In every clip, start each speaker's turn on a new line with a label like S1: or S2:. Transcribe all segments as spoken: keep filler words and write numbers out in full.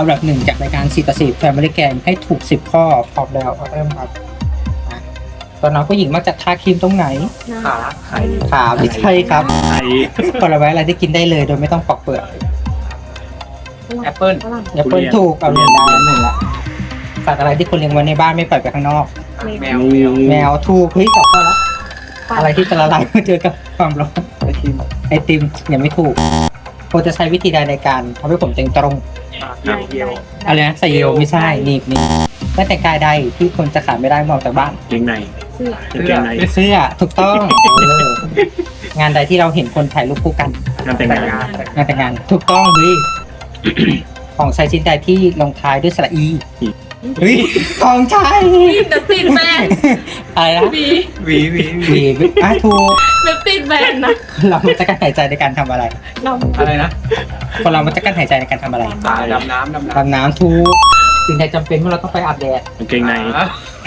S1: อันดับหนึ่งจากรายการสี่ต่อสี่ Family Game ให้ถูกสิบข้อพร้อมแล้วเริ่มครับอ่ะตอนน้องผู้หญิงมักจะทาครีมตรงไหน
S2: ขาไข่
S1: ขาไม่ใช่ครับ
S2: ไข่
S1: ผลไม้อะไรที่กินได้เลยโดยไม่ต้องปอกเปลือก
S2: แอปเปิ้ล
S1: แอปเปิลถูกเอาเรียนได้หนึ่งละสัตว์อะไรที่คนเลี้ยงไว้ในบ้านไม่ปล่อยไปข้างนอก
S2: แมวแมว
S1: แมวถูกเฮ้ยสองข้อแล้วอะไรที่จะละลายเมื่อเจอกับความร้อน
S2: ไอติม
S1: ไอติมยังไม่ถูกโคจะใช้วิธีใดในการทำให้ผมเต็งตรง
S2: น้ำเยี่ยว
S1: อะไรนะใส่เยลไม่ใช่หนีบหนีบและแต่งกายใดที่คนจะขาดไม่ได้เมื่อออกจากบ้าน
S3: เกงใน
S2: เสื้อ
S3: เกงใน
S1: เสื้อถูกต้องเอองานใดที่เราเห็นคนถ่ายรูปคู่กัน
S3: งานแต่ง
S2: แต่ง
S3: งาน
S2: งาน
S1: งานแต่งงานถูกต้องเฮ้ย ของใช้ชิ้นใดที่ลงท้ายด้วยสระอีเฮ้ยของใช้
S4: เนติดแบน
S1: อะไรนะ
S4: วี
S2: หวีหวีหวี
S1: วีอ่ะถูก
S4: เนติดแบนนะ
S1: เราจะกั้นหายใจในการทำอะไร
S4: เรา
S2: อะไรนะ
S1: คนเรามันจะกั้นหายใจในการทำอะไร
S2: ตาดำน้ำดำน้ำ
S1: ดำน้ำถูกสิ่งใดจำเป็นเมื่อเราต้องไปอาบแดด
S3: กางเกงใน
S2: อ่ะ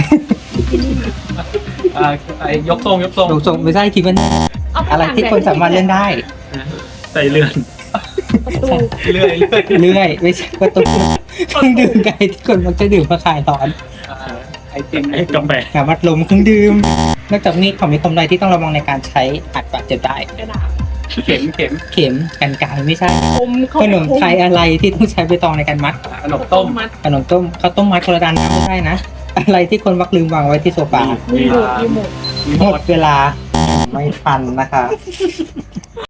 S2: อ่าไอยกทรงยกทรง
S1: ถูกส่งไม่ใช่คิดว่า
S4: เอาป
S1: อะไรที่คนสามารถเล่นได้
S3: ใส่เลื่อน
S4: ประตู
S2: เรื่อยเรื่อย
S1: เรื่อยไม่ใช่ประตูเครื่องดื่มไกที่คนมักจะดื่มเพื่อคลายร้อน
S2: อ่าไอติม
S3: ไอ้กาแฟ
S1: น้ำมัดลมเครื่องดื่มนอกจากนี้ของมีคมใดที่ต้องระวังในการใช้อาจบาดเจ็บได้
S4: กระดาษ
S2: เข็มเข็ม
S1: เข็มกันไกรไม่ใช่
S4: คม
S1: ขนมไทยอะไรที่ต้องใช้ใบตองในการมัด
S2: ขนมต้ม
S4: มัด
S1: ขนมต้มข้าวต้มมัดคนละดานน้ำไม่ใช่นะ อะไรที่คนมักลืมวางไว้ที่โซฟา
S4: มีหมดมีหมด
S2: มี
S1: ห
S2: ห
S1: ม
S2: ม
S1: ด
S2: ด
S1: เวลาไม่ทันนะคะ